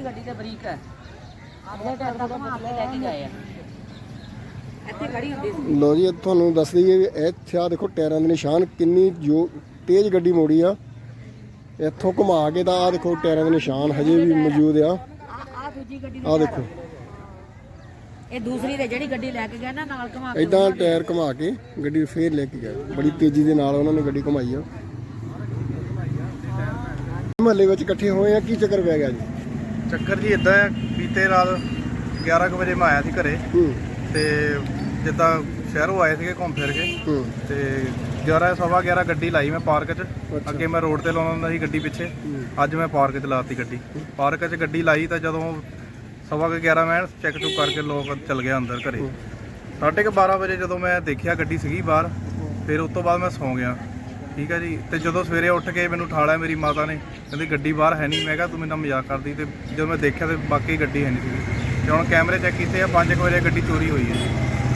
ਗੱਡੀ ਤੇ ਬਰੀਕ ਹੈ ਆਪਣੇ ਟਾਇਰ ਦਾ ਘੁਮਾ ਕੇ ਲੈ ਕੇ ਗਏ ਆ ਇੱਥੇ ਖੜੀ ਹੁੰਦੀ ਸੀ। ਲੋ ਜੀ ਤੁਹਾਨੂੰ ਦੱਸ ਦਈਏ ਵੀ ਇੱਥੇ ਆ ਦੇਖੋ ਟਾਇਰਾਂ ਦੇ ਨਿਸ਼ਾਨ, ਕਿੰਨੀ ਜੋ ਤੇਜ਼ ਗੱਡੀ ਮੋੜੀ ਆ। ਇੱਥੋਂ ਘੁਮਾ ਕੇ ਤਾਂ ਆ ਦੇਖੋ ਟਾਇਰਾਂ ਦੇ ਨਿਸ਼ਾਨ ਹਜੇ ਵੀ ਮੌਜੂਦ ਆ। ਆ ਦੂਜੀ ਗੱਡੀ ਆ ਦੇਖੋ ਇਹ ਦੂਸਰੀ ਤੇ ਜਿਹੜੀ ਗੱਡੀ ਲੈ ਕੇ ਗਏ ਨਾ ਨਾਲ ਘੁਮਾ ਕੇ ਇਦਾਂ ਟਾਇਰ ਘੁਮਾ ਕੇ ਗੱਡੀ ਫੇਰ ਲੈ ਕੇ ਗਏ। ਬੜੀ ਤੇਜ਼ੀ ਦੇ ਨਾਲ ਉਹਨਾਂ ਨੇ ਗੱਡੀ ਘੁਮਾਈ ਆ। ਮਹੱਲੇ ਵਿੱਚ ਇਕੱਠੇ ਹੋਏ ਆ, ਕੀ ਚੱਕਰ ਪੈ ਗਿਆ ਜੀ? ਚੱਕਰ ਜੀ ਇਦਾਂ ਹੈ, ਬੀਤੇ ਰਾਤ 11 ਕੁ ਵਜੇ ਮੈਂ ਆਇਆ ਸੀ ਘਰੇ ਤੇ ਜਿੱਦਾਂ ਸ਼ਹਿਰੋਂ ਆਏ ਸੀਗੇ ਘੁੰਮ ਫਿਰ ਕੇ ਤੇ 11:15 ਗੱਡੀ ਲਾਈ ਮੈਂ ਪਾਰਕ 'ਚ। ਅੱਗੇ ਮੈਂ ਰੋਡ ਤੇ ਲਾਉਂਦਾ ਹੁੰਦਾ ਸੀ ਗੱਡੀ ਪਿੱਛੇ, ਅੱਜ ਮੈਂ ਪਾਰਕ 'ਚ ਲਾਤੀ ਗੱਡੀ। ਪਾਰਕ 'ਚ ਗੱਡੀ ਲਾਈ ਤਾਂ ਜਦੋਂ 11:15 ਮੈਂ ਚੈੱਕ ਚੁੱਕ ਕਰਕੇ ਲੋਕ ਚਲ ਗਿਆ ਅੰਦਰ ਘਰੇ। 12:30 ਵਜੇ ਜਦੋਂ ਮੈਂ ਦੇਖਿਆ ਗੱਡੀ ਸੀਗੀ ਬਾਹਰ, ਫਿਰ ਉਸ ਤੋਂ ਬਾਅਦ ਮੈਂ ਸੌਂ ਗਿਆ। ਠੀਕ ਹੈ ਜੀ। ਤੇ ਜਦੋਂ ਸਵੇਰੇ ਉੱਠ ਕੇ ਮੈਨੂੰ ਉਠਾਲਿਆ ਮੇਰੀ ਮਾਤਾ ਨੇ, ਕਹਿੰਦੀ ਗੱਡੀ ਬਾਹਰ ਹੈ ਨਹੀਂ। ਮੈਂ ਕਿਹਾ ਤੂੰ ਮੇਰੇ ਨਾਲ ਮਜ਼ਾਕ ਕਰਦੀ। ਤੇ ਜਦੋਂ ਮੈਂ ਦੇਖਿਆ ਤੇ ਬਾਕੀ ਗੱਡੀ ਹੈ ਨਹੀਂ ਸੀਗੀ। ਤੇ ਹੁਣ ਕੈਮਰੇ ਚੈੱਕ ਕੀਤੇ ਆ, 5 ਵਜੇ ਗੱਡੀ ਚੋਰੀ ਹੋਈ ਹੈ।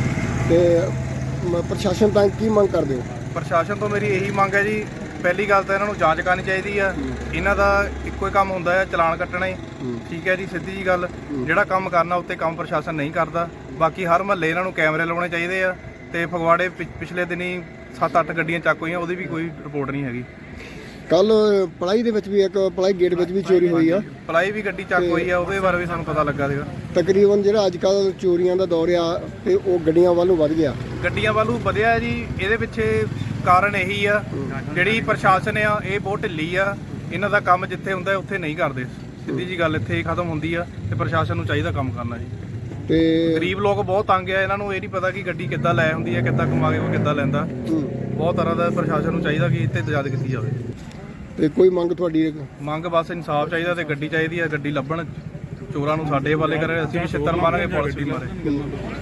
ਤੇ ਪ੍ਰਸ਼ਾਸਨ ਤਾਂ ਕੀ ਮੰਗ ਕਰਦੇ ਹੋ? ਪ੍ਰਸ਼ਾਸਨ ਤੋਂ ਮੇਰੀ ਇਹੀ ਮੰਗ ਹੈ ਜੀ, ਪਹਿਲੀ ਗੱਲ ਤਾਂ ਇਹਨਾਂ ਨੂੰ ਜਾਂਚ ਕਰਨੀ ਚਾਹੀਦੀ ਆ। ਇਹਨਾਂ ਦਾ ਇੱਕੋ ਹੀ ਕੰਮ ਹੁੰਦਾ ਹੈ, ਚਲਾਨ ਕੱਟਣਾ ਹੀ। ਠੀਕ ਹੈ ਜੀ, ਸਿੱਧੀ ਜੀ ਗੱਲ। ਜਿਹੜਾ ਕੰਮ ਕਰਨਾ ਉੱਤੇ ਕੰਮ ਪ੍ਰਸ਼ਾਸਨ ਨਹੀਂ ਕਰਦਾ। ਬਾਕੀ ਹਰ ਮਹੱਲੇ ਇਹਨਾਂ ਨੂੰ ਕੈਮਰੇ ਲਾਉਣੇ ਚਾਹੀਦੇ ਆ। ਤੇ ਫਗਵਾੜੇ ਪਿਛਲੇ ਦਿਨੀ 7-8 ਗੱਡੀਆਂ ਚੱਕ ਹੋਈਆਂ, ਉਹਦੀ ਵੀ ਕੋਈ ਰਿਪੋਰਟ ਨਹੀਂ ਹੈਗੀ। ਕੱਲ ਪਲਾਈ ਦੇ ਵਿੱਚ ਵੀ ਇੱਕ ਪਲਾਈ ਗੇਟ ਵਿੱਚ ਵੀ ਚੋਰੀ ਹੋਈ ਆ। ਪਲਾਈ ਵੀ ਗੱਡੀ ਚੱਕ ਹੋਈ ਆ, ਉਹਦੇ ਬਾਰੇ ਵੀ ਸਾਨੂੰ ਪਤਾ ਲੱਗਾ ਸੀਗਾ। ਤਕਰੀਬਨ ਜਿਹੜਾ ਅੱਜ ਕੱਲ ਚੋਰੀਆਂ ਦਾ ਦੌਰ ਆ ਤੇ ਉਹ ਗੱਡੀਆਂ ਵੱਲੋਂ ਵੱਧ ਗਿਆ। ਗੱਡੀਆਂ ਵੱਲੋਂ ਵਧਿਆ ਜੀ। ਇਹਦੇ ਪਿੱਛੇ ਕਾਰਨ ਇਹੀ ਆ, ਜਿਹੜੀ ਪ੍ਰਸ਼ਾਸਨ ਆ ਇਹ ਬਹੁਤ ਢਿੱਲੀ ਆ। ਇਹਨਾਂ ਦਾ ਕੰਮ ਜਿੱਥੇ ਹੁੰਦਾ ਉੱਥੇ ਨਹੀਂ ਕਰਦੇ। ਸਿੱਧੀ ਜੀ ਗੱਲ ਇੱਥੇ ਹੀ ਖਤਮ ਹੁੰਦੀ ਆ। ਤੇ ਪ੍ਰਸ਼ਾਸਨ ਨੂੰ ਚਾਹੀਦਾ ਕੰਮ ਕਰਨਾ ਜੀ। ਤੇ ਗਰੀਬ ਲੋਕ ਬਹੁਤ ਤੰਗ ਆ, ਇਹਨਾਂ ਨੂੰ ਇਹ ਨਹੀਂ ਪਤਾ ਕਿ ਗੱਡੀ ਕਿੱਦਾਂ ਲੈ ਹੁੰਦੀ ਹੈ, ਕਿੱਦਾਂ ਕਮਾ ਕੇ ਉਹ ਕਿੱਦਾਂ ਲੈਂਦਾ। ਬਹੁਤ ਤਰ੍ਹਾਂ ਦਾ ਪ੍ਰਸ਼ਾਸਨ ਨੂੰ ਚਾਹੀਦਾ ਕਿ ਇੱਥੇ ਤਜਾਦ ਕੀਤੀ ਜਾਵੇ। ਤੇ ਕੋਈ ਮੰਗ ਤੁਹਾਡੀ? ਮੰਗ ਬਸ ਇਨਸਾਫ ਚਾਹੀਦਾ ਤੇ ਗੱਡੀ ਚਾਹੀਦੀ ਆ। ਗੱਡੀ ਲੱਭਣ, ਚੋਰਾਂ ਨੂੰ ਸਾਡੇ ਹਵਾਲੇ ਕਰੇ। ਅਸੀਂ ਵੀ ਛਿੱਤਰ ਮਾਰਾਂਗੇ, ਪੁਲਿਸ ਵੀ ਮਾਰੇ।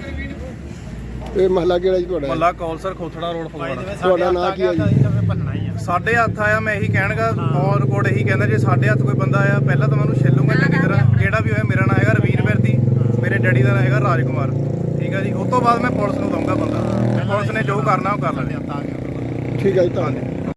ਇਹ ਮਹੱਲਾ ਕਿਹੜਾ ਜੀ ਤੁਹਾਡਾ? ਮੱਲਾ ਕੌਲਸਰ ਖੋਥੜਾ ਰੋਡ ਫਗਵਾੜਾ। ਤੁਹਾਡਾ ਨਾਂ ਕੀ ਆ ਜੀ? ਸਾਡੇ ਹੱਥ ਆਇਆ, ਮੈਂ ਇਹੀ ਕਹਿਣਗਾ ਔਨ ਰਿਕਾਰਡ ਇਹੀ ਕਹਿੰਦਾ, ਜੇ ਸਾਡੇ ਹੱਥ ਕੋਈ ਬੰਦਾ ਆਇਆ ਪਹਿਲਾਂ ਤਾਂ ਮੈਂ ਉਹਨੂੰ ਛਿੱਲੂਗਾ ਚੰਗੀ ਤਰ੍ਹਾਂ। ਜਿਹੜਾ ਵੀ ਹੋਇਆ, ਮੇਰਾ ਨਾਂ ਹੈਗਾ ਰਵੀਰ ਵਿਰਦੀ, ਮੇਰੇ ਡੈਡੀ ਦਾ ਨਾਂ ਹੈਗਾ ਰਾਜਕੁਮਾਰ। ਠੀਕ ਹੈ ਜੀ। ਉਸ ਤੋਂ ਬਾਅਦ ਮੈਂ ਪੁਲਿਸ ਨੂੰ ਦਊਂਗਾ ਬੰਦਾ। ਪੁਲਿਸ ਨੇ ਜੋ ਕਰਨਾ ਉਹ ਕਰ ਲੈਣਾ। ਠੀਕ ਹੈ ਜੀ, ਧੰਨਵਾਦ।